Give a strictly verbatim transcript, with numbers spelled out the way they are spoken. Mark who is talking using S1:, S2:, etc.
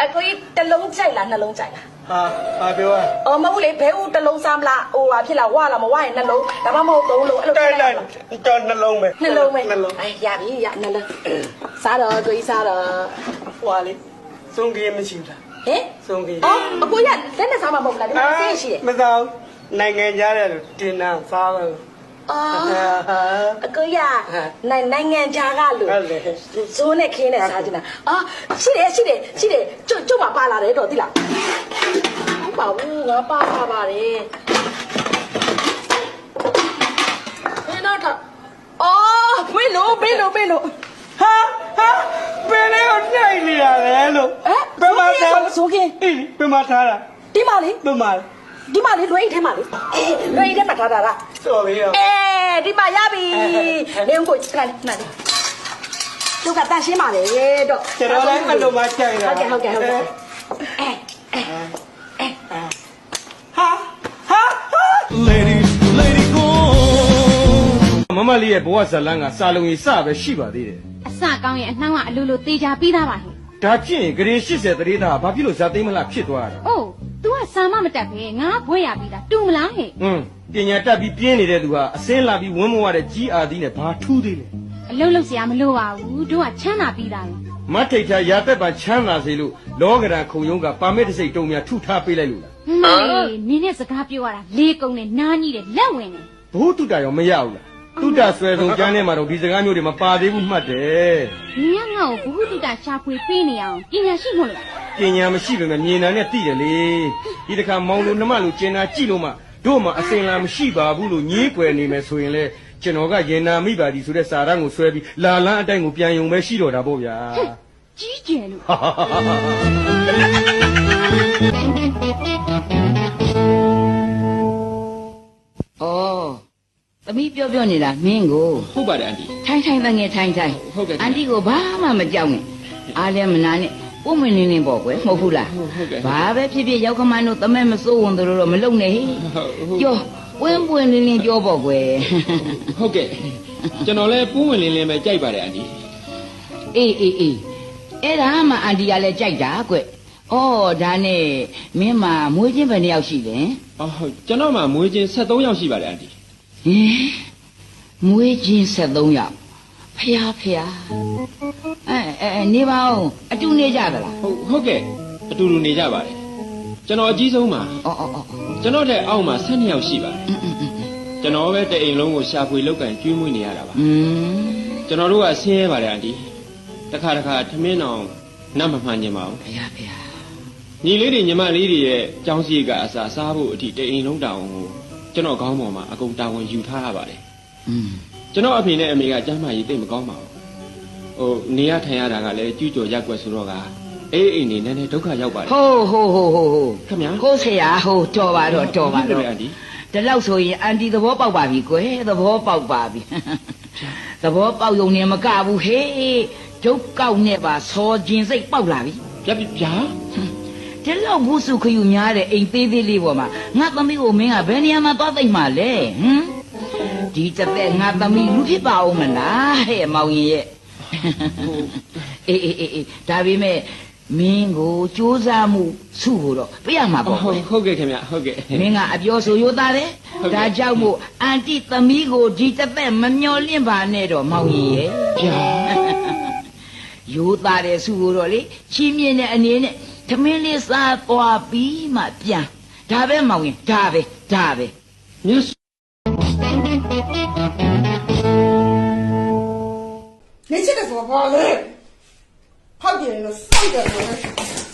S1: အကိုကြီးတစ်လုံးကြိုက်လားနှလုံးကြိုက်လား
S2: ဟာဟာပြောရ
S1: အော်မဟုတ်လေဘဲဦးတစ်လုံးစားမလားဟိုဟာဖြစ်လားဝါလားမဝရင်နှလုံးဒါမှမဟုတ်သုံးလုံးအဲ့လို
S2: တိုက်လိုက်တော့နှလုံးပဲ
S1: နှလုံးပဲ
S2: နှလုံး
S1: အေးရပြီရနှလုံးစားတော့ကိုကြီးစားတော့
S2: ဟွာလေစုံကြီးမရှိဘူးလား
S1: ဟင်
S2: စုံကြီး
S1: အော်အကိုကြီးလက်နဲ့စားမှာမဟုတ်လားဒီမှာဆေးရှိတယ်
S2: မစားဘူးနိုင်ငံကြားတယ်လို့တင်တာစားတယ်
S1: အော်အကိုရနိုင်နိုင်ငံခြားကလို့ဇိုးနဲ့ခင်းနဲ့စားကြတာအော်ရှိတယ်ရှိတယ်ရှိတယ်ကျွတ်ကျွတ်မှာပါလာတယ်တော့သိလားဟုတ်ပါဘူးငါပါပါပါတယ်ဘယ်တော့တော့အော်ဘယ်လိုဘယ်လိုဘယ်လို
S2: ဟာဟာဘယ်လဲကိုနိုင်နေရတယ်လို့
S1: ဘယ်မှာထားဇိုးခင်း
S2: အေးဘယ်မှာထားတာ
S1: ဒီမှာလေ
S2: ဘယ်မှာ
S1: ဒီမှာလေလွယ်အိတ်ထဲမှာလေလွယ်အိတ်ထဲမှာထားတာလား
S2: စော်ပြီရော
S1: အေးဒီမှာရပြီနေဦးကိုခဏလေးခဏလေးသူကတန်ရှင်းပါလေတော့
S2: ကျွန်တော်လည်းအဲ့လိုမှကြိုက်တာ
S1: ဟုတ်ကဲ့ဟုတ်ကဲ့ဟုတ်ကဲ့အဲအဲအဲ
S2: ဟာဟာ
S3: Lady Lady go မမလေးရဲ့ဘဝဇလန်းကစာလုံးကြီးစပဲရှိပါသေးတယ်
S4: အစကောင်းရဲ့အနှောင်းကအလိုလိုတေချာပြီးသားပါဟဲ့
S3: ဒါဖြင့်ဂရေ၈၀တရေသားဘာဖြစ်လို့ဇာသိမ်းမလားဖြစ်သွားတာ
S4: အိုး तू ကစာမမတက်ပဲငါဘွဲရပြီးသားတူမလားဟဲ့
S3: ဟွန်းပညာတက်ပြီးပြင်းနေတဲ့သူဟာအစင်းလာပြီးဝင်းမဝတဲ့ကြီးအာသီးနဲ့ဘာထူးသေးလဲ
S4: အလုံးလုံးစရာမလိုပါဘူးတို့ကချမ်းသာပြီးသားပဲ
S3: မထိတ်ထားရာသက်ပါချမ်းသာစေလို့လောကရန်ခုံရုံးကပါမစ်တစ်စိတ်တုံများထုထားပေးလိုက်လို့လား
S4: ဟေးနင်းနဲ့စကားပြောရတာလေးကုံနဲ့နားကြီးတယ်လက်ဝင်တယ်
S3: ဘိုးတုတရောမရဘူးလားတုတဆွဲဆုံးကျမ်းထဲမှာတော့ဒီစကားမျိုးတွေမပါသေးဘူးမှတ်တယ်
S4: နင်းကငါ့ကိုဘုဟုတုတရှာဖွေပေးနေအောင်ပညာရှိမို့လား
S3: ပညာမရှိပေမဲ့မြင်တာနဲ့သိတယ်လေဒီတခါမောင်လိုနှမလိုကျင်နာကြည့်လို့မှတို့မှအစင်လာမရှိပါဘူးလို့ညည်းကွယ်နေမယ်ဆိုရင်လေကျွန်တော်ကရင်နာမိပါသည်ဆိုတဲ့စာရန်ကိုဆွဲပြီးလာလန်းအတိုင်းကိုပြန်ယုံပဲရှိတော့တာပေါ့ဗျာ
S4: ကြီးကျယ်လို့
S5: အော်သမီးပြောပြောနေတာမင်းကို
S6: ဟုတ်ပါတယ်အန်တီ
S5: ထိုင်ထိုင်တငယ်ထိုင်ထိုင်
S6: ဟုတ်ကဲ့
S5: အန်တီကိုဘာမှမကြောက်နဲ့အားလည်းမနာနဲ့ပုံမင်းနေနေပေါ့ကွယ်မဟုတ်ဘူးလား
S6: ဟုတ်ကဲ့
S5: ဘာပဲဖြစ်ဖြစ်ရောက်ခမန်းတို့တမဲမစိုးဝင်တို့တော့မလုံနဲ့ပြောပွင့်ပွင့်လင်းလင်းပြောပေါ့ကွယ်
S6: ဟုတ်ကဲ့ကျွန်တော်လည်းပူးဝင်လင်းလင်းပဲကြိုက်ပါတယ်အန်တီ
S5: အေးအေးအေးအဲ့ဒါမှအန်တီကလည်းကြိုက်တာကွယ်အော်ဒါနဲ့မင်းမှာမွေးချင်းဘယ်နှယောက်ရှိလဲ
S6: အော်ဟုတ်ကျွန်တော်မှာမွေးချင်းဆက်သုံးယောက်ရှိပါတယ်အန်တီ
S5: ဟင်မွေးချင်းဆက်သုံးယောက်ဖျားဖျားအဲအဲနေပါဦးအတူနေကြသလား
S6: ဟုတ်ဟုတ်ကဲ့အတူတူနေကြပါတယ်ကျွန်တော်အကြီးဆုံးပါ
S5: အော်အော်အော်
S6: ကျွန်တော်တဲ့အောက်မှာဆယ်နှစ်ယောက်ရှိပါတယ်ကျွန်တော်ပဲတအိမ်လုံးကိုရှာဖွေလောက်ကန်ကျွေးမွေးနေရတာပါ
S5: อืม
S6: ကျွန်တော်တို့ကဆင်းရဲပါတယ်အန်တီတခါတခါထမင်းအောင်နတ်မမှန်ကျင်ပါဘူး
S5: ဖျားဖျား
S6: ညီလေးတွေညီမလေးတွေရဲ့ကြောင်းစည်းကအစားစားဖို့အထိတအိမ်လုံးတောင်ကိုကျွန်တော်ခေါင်းပေါ်မှာအကုန်တာဝန်ယူထားရပါတယ်
S5: อืม
S6: ကျွန်တော်အဖေနဲ့အမေကကျမ်းမာရေးသိမကောင်းပါဘူးဟိုနေရထိုင်ရတာကလည်းကျူးကျော်ရက်ွက်ဆိုတော့ကအေးအိမ်နေနဲ့ဒုက္ခရောက်ပါတယ်
S5: ဟိုးဟိုးဟိုးဟိုးဟိုး
S6: ခင်ဗျာ
S5: ကိုဆရာဟိုးတော်ပါတော့တော်ပါတော့
S6: အန်တီ
S5: ဒီလောက်ဆိုရင်အန်တီသဘောပေါက်ပါပြီကွယ်သဘောပေါက်ပါပြီသဘောပေါက်ုံနဲ့မကဘူးဟေးဒုက္ကောက်နဲ့ပါစောခြင်းစိတ်ပေါက်လာပြီ
S6: ဗျာဗျာ
S5: ဒီလောက်ဘူးစုခယူများတဲ့အိမ်သေးသေးလေးပေါ်မှာငါသမီးကိုမင်းကဘယ်နေရာမှာသွားသိမ့်မှာလဲဟမ်ဒီတသက်ငါသမီးလူဖြစ်ပါဦးမလားဟဲ့မောင်ရင်ရဲ့အေးအေးအေးဒါပေမဲ့မင်းကိုစူးစမ်းမှုစုဖို့တော့ပြရမှာပေါ့
S6: ဟုတ်ဟုတ်ကဲ့ခင်ဗျဟုတ်ကဲ့
S5: မင်းကအပြောဆိုရိုးသားတယ်ဒါကြောင့်မို့အန်တီသမီးကိုဒီတသက်မမျော်လင့်ပါနဲ့တော့မောင်ရင်ရဲ့
S6: ဗျာ
S5: ရိုးသားတယ်စုဖို့တော့လေချီးမြှင့်တဲ့အနေနဲ့သမင်းလေးစားသွားပြီးမှပြန်ဒါပဲမောင်ရင်ဒါပဲဒါပဲ
S6: မြတ်
S2: 你这个怎么办呢？好点了，少点了。